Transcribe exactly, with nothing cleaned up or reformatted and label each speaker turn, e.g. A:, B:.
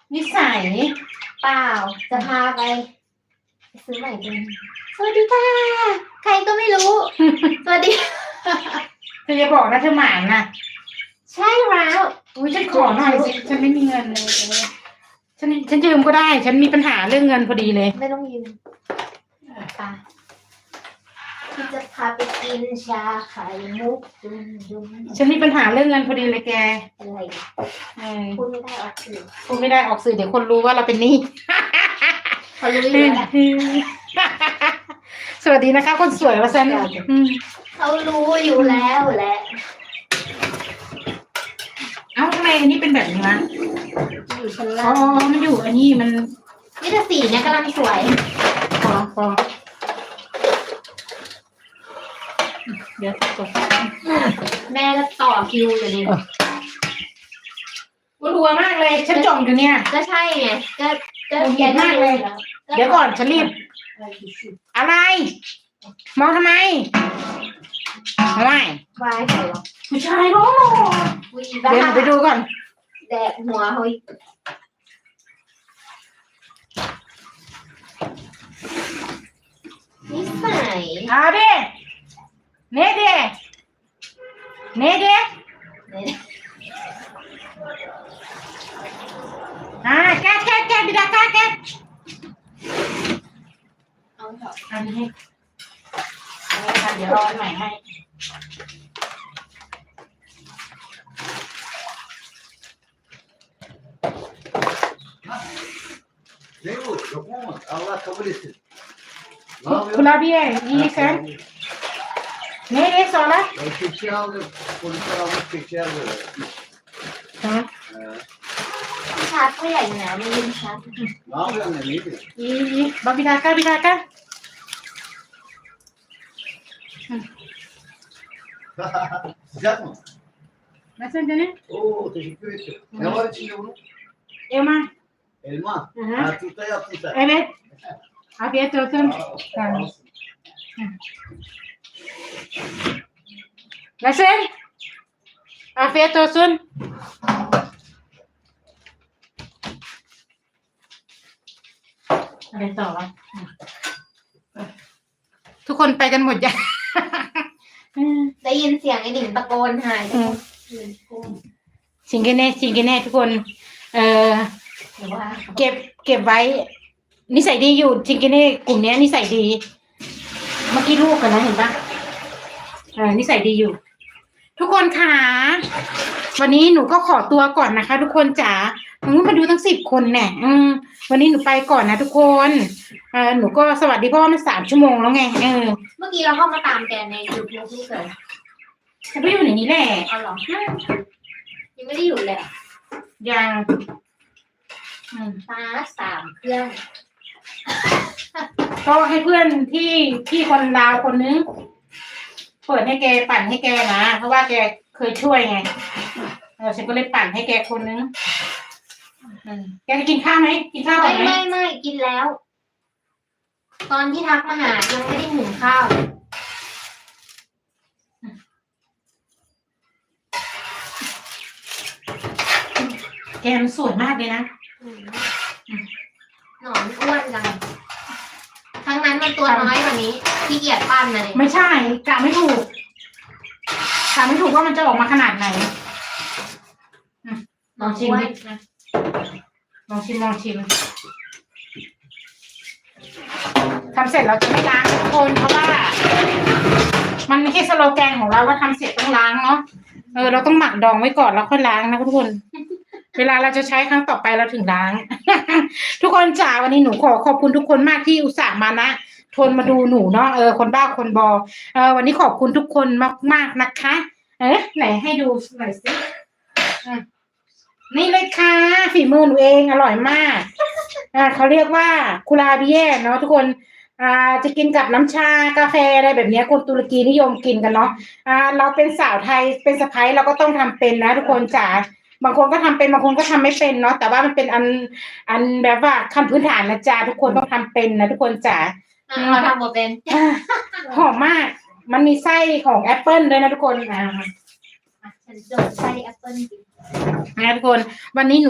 A: นิสัย
B: เปล่าจะพาไปซื้อใหม่เป็นสวัสดีค่ะใครก็ไม่รู้ สวัสดี
A: เธอจะบอกนะเธอหมานนะ
B: ใช่แล้ว
A: อุ้ยฉันขอหน่อยสิฉันไม่มีเงินเลยฉันฉันยืมก็ได้ฉันมีปัญหาเรื่องเงินพอดีเลย
B: ไม่ต้องยืมไปที่จะพาไปกินชาไข่มุกดุมดุม
A: ฉันมีปัญหาเรื่องเงินพอดีเลยแก
B: อะไร
A: เออ
B: พูดไม่ได้ออกสื่อ
A: พูดไม่ได้ออกสื่อเดี๋ยวคนรู้ว่าเราเป็นหนี้
B: เขารู้อยู่แล้ว
A: สวัสดีนะคะคนสวยว่าฉัน
B: เขารู้อยู่แล้วแหละ
A: เอ้าทำไมอันนี้เป็นแบบนี้วะ
B: อยู่ชั้นล่า
A: อ๋องมันอยู่อันนี้มัน
B: นี่แต่สีเนี่ยกำลังสวย
A: พอพอเดี๋ยวจบ
B: แม่ก็ต่อคิวอยู่นี่
A: รัวมากเลยฉันจมอยู่เนี่ย
B: ก็ใช่ไงก็ก็
A: เย็นมากเลยเดี๋ยวก่อนฉันรีบอะไรมองทำไมทำไม
B: วายใครวะ
A: ผู้ชายร้องเดี๋ยวไปดูก่อน
B: แดกหัวเฮ้ยนิสัย
A: เอาดิเน่ดิเน่ดิอ่าแกแกแกบิดาแกแก
B: เอาเถอะ
A: อันนี้ให้เดี๋ยวเอาอันใหม่ให้Kurabiye, iyi sen. Nereye sonra?
C: Ben keçi aldım. Polisler almış keçi aldı.
A: Tamam.
B: ชาร์จผู้ใหญ่หนาไม่ยืมชาร์จ
C: Ne yapıyorsun ne iyi?
A: İyi iyi. Bak bir dakika bir dakika.
C: Sıcak mı?
A: Nasıl canım?
C: Oo teşekkür ederim. Ne var içinde bunun?
A: Elma.
C: Elma.
A: Hı hı.
C: Ha, turta yaptın sen.
A: Evet. Afiyet olsun. Tamam. Nasıl? Afiyet olsun. อะไรต่อวะทุกคนไปกันหมดยัง
B: ได้ยินเสียงไอ้หนิงตะโกนหาย
A: ชิงกันแน่ชิงกันแน่ทุกคนเอ่อเก็บเก็บไว้นิสัยดีอยู่ชิงกันแน่กลุ่มนี้นิสัยดีเมื่อกี้ลูกกันนะเห็นปะเออนิสัยดีอยู่ทุกคนค่ะวันนี้หนูก็ขอตัวก่อนนะคะทุกคนจ๋าหนูมาดูทั้งสิบคนแน่อืมวันนี้หนูไปก่อนนะทุกคนเออหนูก็สวัสดีเพราะว่ามันสามชั่วโมงแล้วไงเออ
B: เมื่อกี้เราเข้ามาตามแกในยูทูบนี่เลย
A: จะไปอยู่ไหนนี้แหละ
B: เอาหรอยังไม่ได้อยู่เลย
A: ยัง
B: ฟ้าสามเครื่อง
A: ก็ให้เพื่อนที่ที่คนลาวคนนึงเปิดให้แกปั่นให้แกนะเพราะว่าแกเคยช่วยไงเออฉันก็เลยปั่นให้แกคนนึงแกจะกินข้าวไหมกินข้าวก่อนไหม
B: ไม่ไม่กินแล้ว ตอนที่ทักมาหายังไม่ได้หุงข้าว
A: แกมันสวยมากเลยนะ
B: หนอนอ้วนจังทั้งนั้นมันตัวน้อยกว่านี้ขี้เกียจปั้นนะเนี่ย
A: ไม่ใช่กะไม่ถูกกะไม่ถูกว่ามันจะออกมาขนาดไหนลองชิมดิลองชิมลองชิมทำเสร็จเราจะไม่ล้างทุกคนเพราะว่ามันไม่ใช่สโลแกนของเราว่าทำเสร็จต้องล้างเนาะเออเราต้องหมักดองไว้ก่อนแล้วค่อยล้างนะทุกคนเวลาเราจะใช้ครั้งต่อไปเราถึงล้าง ทุกคนจ๋าวันนี้หนูขอขอบคุณทุกคนมากที่อุตส่าห์มานะทนมาดูหนูเนาะเออคนบ้าคนบอเออวันนี้ขอบคุณทุกคนมากๆนะคะเอ๊ะไหนให้ดูหน่อยสินี่เลยค่ะฝีมือหนูเองอร่อยมากอ่าเขาเรียกว่าคุราบิเย่เนาะทุกคนอ่าจะกินกับน้ำชากาแฟอะไรแบบนี้คนตุรกีนิยมกินกันเนาะอ่าเราเป็นสาวไทยเป็นสะใภ้เราก็ต้องทำเป็นนะทุกคนจ๋าบางคนก็ทำเป็นบางคนก็ทำไม่เป็นเนาะแต่ว่ามันเป็นอันอันแบบว่าขั้นพื้นฐานนะจ๊ะทุกคนต้องทำเป็นนะทุกคนจ๋า
B: เราทำหมดเป็น
A: หอมมากมันมีไส้ของแอปเปิลด้วยนะทุกคนอ่า
B: ฉันโดดไส้แอปเปิลนะ
A: ทุกคนวันนี้หนู